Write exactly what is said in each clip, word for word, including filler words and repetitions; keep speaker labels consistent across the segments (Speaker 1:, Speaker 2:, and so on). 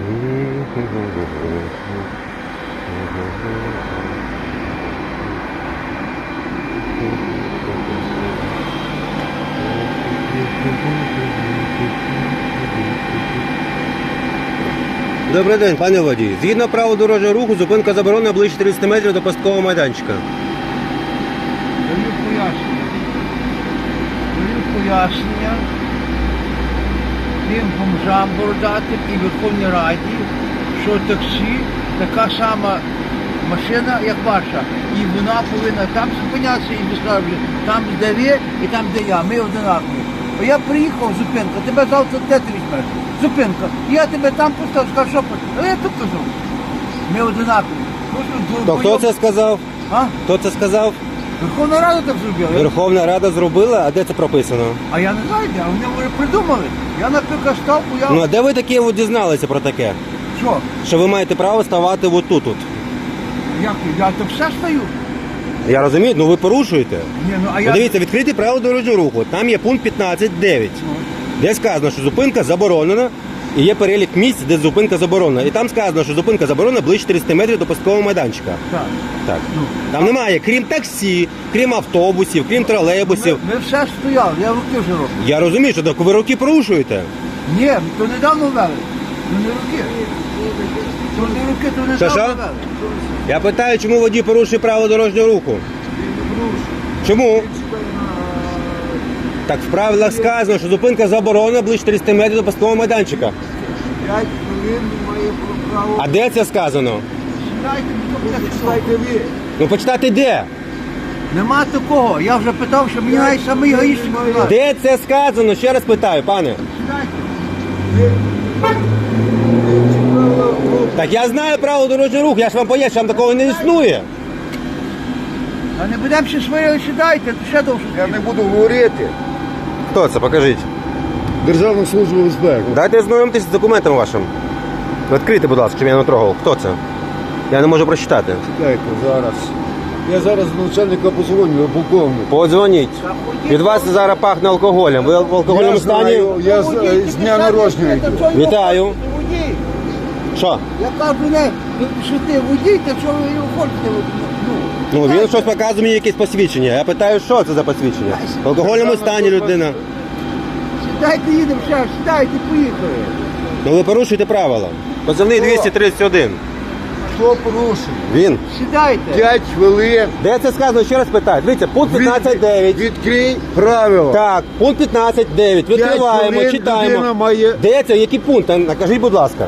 Speaker 1: Добрий день, пане водій. Згідно правил дорожнього руху, зупинка заборонена ближче тридцять метрів до пасткового майданчика.
Speaker 2: Даю пояснення. Даю пояснення тим бомжам бородатим і Верховній Раді, що таксі така сама машина, як ваша. І вона повинна там зупинятися і висловлювати. Там, де ви і там, де я. Ми одинакові. Бо я приїхав, зупинка, тебе завтра де ти візьмеш? Зупинка. Я тебе там поставив, сказав, що хочеш. Але я тут кажу. Ми одинакові.
Speaker 1: То хто це сказав?
Speaker 2: А?
Speaker 1: Хто це сказав?
Speaker 2: Верховна Рада так зробила.
Speaker 1: Верховна Рада зробила, а де це прописано?
Speaker 2: А я не знаю, де, вони вже придумали. Я, наприклад, став, я...
Speaker 1: Ну а де ви таке от дізналися про таке?
Speaker 2: Що?
Speaker 1: Що ви маєте право ставати от тут. -от?
Speaker 2: Як? Я то все стою.
Speaker 1: Я розумію, ну ви порушуєте.
Speaker 2: Ні, ну, а я...
Speaker 1: Подивіться, відкриті правила дорожнього руху. Там є пункт п'ятнадцять дев'ять, де сказано, що зупинка заборонена, і є перелік місць, де зупинка заборонена. І там сказано, що зупинка заборонена ближче тридцять метрів до пасткового майданчика.
Speaker 2: Так.
Speaker 1: Так.
Speaker 2: Ну.
Speaker 1: Там немає, крім таксі, крім автобусів, крім тролейбусів.
Speaker 2: Ми, ми все стояли, я руки вже роблю.
Speaker 1: Я розумію, що так ви роки порушуєте.
Speaker 2: Ні, то недавно ввели. Ну не руки. То не руки, то недавно
Speaker 1: Що-що?
Speaker 2: ввели.
Speaker 1: Я питаю, чому водій порушує правила дорожнього руху? Чому? Так в правилах сказано, що зупинка заборонена ближче тридцять метрів до пасткового майданчика.
Speaker 2: П'ять хвилин має право.
Speaker 1: А де це сказано?
Speaker 2: Сідайте, сідайте ви.
Speaker 1: Ну почитати де?
Speaker 2: Нема такого. Я вже питав, що мені навіть самий гаїшник сказав.
Speaker 1: Де це сказано? Ще раз питаю, пане.
Speaker 2: Сідайте.
Speaker 1: Так я знаю правила дорожнього руху, я ж вам поясню, що там такого не існує.
Speaker 2: А не будемо ще свої сідайте, то ще довше.
Speaker 3: Я не буду говорити.
Speaker 1: Хто це? Покажіть.
Speaker 3: Державну службу безпеки.
Speaker 1: Дайте ознайомитись з документом вашим. Відкрийте, будь ласка, щоб я не трогав. Хто це? Я не можу прочитати.
Speaker 3: Чекайте, зараз. Я зараз до начальника позвоню, полковник.
Speaker 1: Подзвоніть. Від вас зараз пахне алкоголем. Ви в алкогольному
Speaker 3: Я
Speaker 1: стані?
Speaker 3: знаю, я з, з дня народження йду.
Speaker 1: Вітаю.
Speaker 2: Водій.
Speaker 1: Що?
Speaker 2: Я кажу, не, що ти водій, то що ви його хочете? Ну,
Speaker 1: Ну він щось показує мені якесь посвідчення. Я питаю, що це за посвідчення? В алкогольному стані людина.
Speaker 2: Сідайте, їдемо, ще, сідайте, поїхали.
Speaker 1: Ну ви порушуєте правила. Позивний двісті тридцять один.
Speaker 3: Хто порушив?
Speaker 1: Він.
Speaker 2: Сідайте.
Speaker 3: П'ять хвилин.
Speaker 1: Де це сказано? Ще раз питаю. Дивіться, пункт п'ятнадцять дев'ять.
Speaker 3: Відкрий правила.
Speaker 1: Так, пункт п'ятнадцять дев'ять.
Speaker 3: П'ять
Speaker 1: Відкриваємо,
Speaker 3: хвилин
Speaker 1: читаємо.
Speaker 3: людина має...
Speaker 1: Де це? Який пункт? А, Накажіть, будь ласка.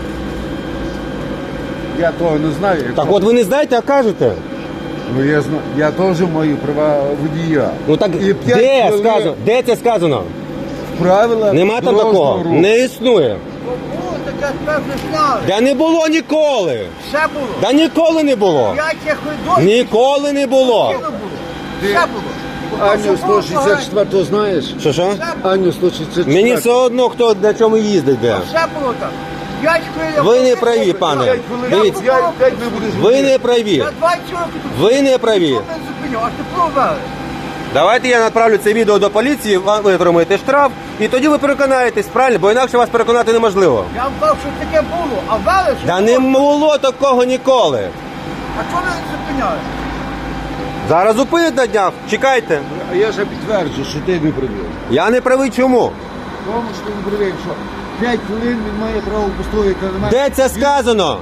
Speaker 3: Я того не знаю.
Speaker 1: Так от ви не знаєте, а кажете.
Speaker 3: Ну я знаю, я теж маю права водія.
Speaker 1: Ну так
Speaker 3: І п'ять
Speaker 1: де
Speaker 3: хвилин
Speaker 1: сказано? Де це сказано?
Speaker 3: Правила
Speaker 1: Нема там
Speaker 3: дорожнього
Speaker 1: такого.
Speaker 3: руху.
Speaker 1: Не існує.
Speaker 2: О, таке певне знали.
Speaker 1: Да не було ніколи.
Speaker 2: Все було.
Speaker 1: Да ніколи не було.
Speaker 2: П'ять як ви досі.
Speaker 1: Ніколи не було.
Speaker 2: Все було.
Speaker 3: Аню сто шістдесят четвертого знаєш?
Speaker 1: Що що?
Speaker 3: Аню сто шістдесят четвертого.
Speaker 1: Мені все одно, хто на чому їздить де.
Speaker 2: Все було так. П'ять хвилин.
Speaker 1: Ви не праві, пане.
Speaker 3: П'ять хвилин.
Speaker 1: Дивіться.
Speaker 3: П'ять, п'ять не будеш
Speaker 1: Ви не праві.
Speaker 2: Я двадцять років тут.
Speaker 1: Ви не праві.
Speaker 2: Що мене зупиняв? Аж ти провели.
Speaker 1: Давайте я направлю це відео до поліції, ви отримаєте штраф, і тоді ви переконаєтесь, правильно? Бо інакше вас переконати неможливо.
Speaker 2: Я вам казав, що таке було, а вели, що
Speaker 1: Да
Speaker 2: було.
Speaker 1: не було такого ніколи.
Speaker 2: А чого ви не зупиняли?
Speaker 1: Зараз зупинять на днях, чекайте.
Speaker 3: А я ж підтверджую, що ти не правий.
Speaker 1: Я не правий чому?
Speaker 3: Тому що ти не правий, що п'ять хвилин він має право постояти на мене.
Speaker 1: Де це сказано?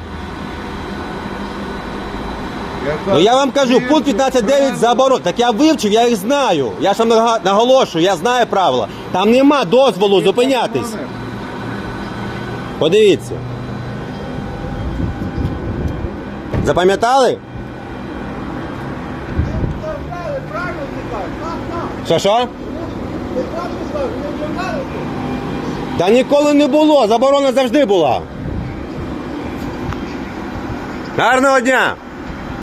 Speaker 1: Ну я вам кажу, пункт п'ятнадцять дев'ять заборон. Так я вивчив, я їх знаю. Я ж вам нага- наголошую, я знаю правила. Там нема дозволу зупинятись. Подивіться. Запам'ятали?
Speaker 2: Ви вели, правильно не кажуть. Так, так.
Speaker 1: Що що?
Speaker 2: Ви правильно кажуть, ви вже вели.
Speaker 1: Та ніколи не було, заборона завжди була. Гарного дня!